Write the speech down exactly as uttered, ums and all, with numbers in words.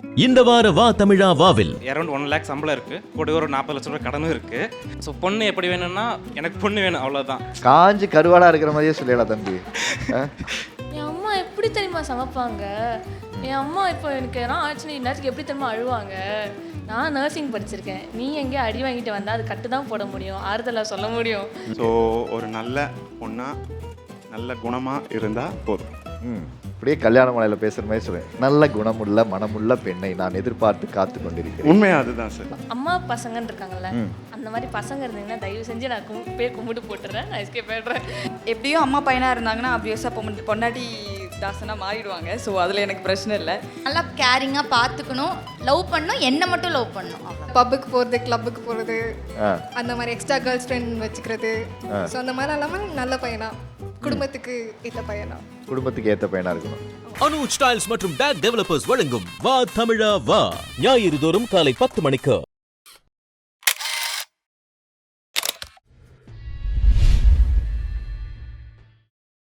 இந்த வார வா தமிழா வாவில் அரௌண்ட் ஒன் லேக் சம்பளம் இருக்கு, கூட ஒரு நாற்பது லட்சம் ரூபாய் கடனும் இருக்கு. ஸோ பொண்ணு எப்படி வேணும்னா எனக்கு பொண்ணு வேணும், அவ்வளோதான். காஞ்சி கருவாடா இருக்கிற மாதிரியே சொல்லலாம் தம்பி. என் அம்மா எப்படி தெரியுமா சமைப்பாங்க? என் அம்மா இப்போ எனக்கு எதனா ஆச்சுன்னா இந்நேரத்துக்கு எப்படி தெரியுமா அழுவாங்க? நான் நர்சிங் படிச்சிருக்கேன், நீ எங்கேயோ அடி வாங்கிட்டு வந்தால் அது கட்டு தான் போட முடியும், ஆறுதலாக சொல்ல முடியும். ஸோ ஒரு நல்ல பொண்ணா நல்ல குணமாக இருந்தால் போதும். ம் அப்படியே கல்யாண மலையில பேசுற மாதிரி சொல்றேன். நல்ல குணமுள்ள மனமுள்ள பெண்ணை நான் எதிர்பார்த்து காத்து கொண்டிருக்கிறேன். உண்மையா அதுதான் சார். அம்மா பசங்கன்னு இருக்காங்கல்ல, அந்த மாதிரி பசங்க இருந்தீங்கன்னா தயவு செஞ்சு நான் கும் பேர் கும்பிட்டு போட்டுறேன், நான் எஸ்கேப் ஆயிடுறேன். எப்படியும் அம்மா பையனாக இருந்தாங்கன்னா ஆப்வியஸாக பொண்ணு பொண்டாட்டி தாசனாக மாறிடுவாங்க. ஸோ அதில் எனக்கு பிரச்சனை இல்லை. நல்லா கேரிங்காக பார்த்துக்கணும், லவ் பண்ணணும், என்ன மட்டும் லவ் பண்ணணும். பப்புக்கு போகிறது, கிளப்புக்கு போகிறது, அந்த மாதிரி எக்ஸ்ட்ரா கேர்ள்ஸ் ஃப்ரெண்ட் வச்சுக்கிறது. ஸோ அந்த மாதிரி இல்லாமல் நல்ல பையனா, குடும்பத்துக்கு ஏற்ற பையனா, குடும்பத்துக்கு ஏற்ற பையனா இருக்கணும். அனுஜ் ஸ்டைல்ஸ் மற்றும் டேக் டெவலப்பர்ஸ் வழங்கும் வா தமிழா வா ஞாயிறு தோறும் காலை பத்து மணிக்கு.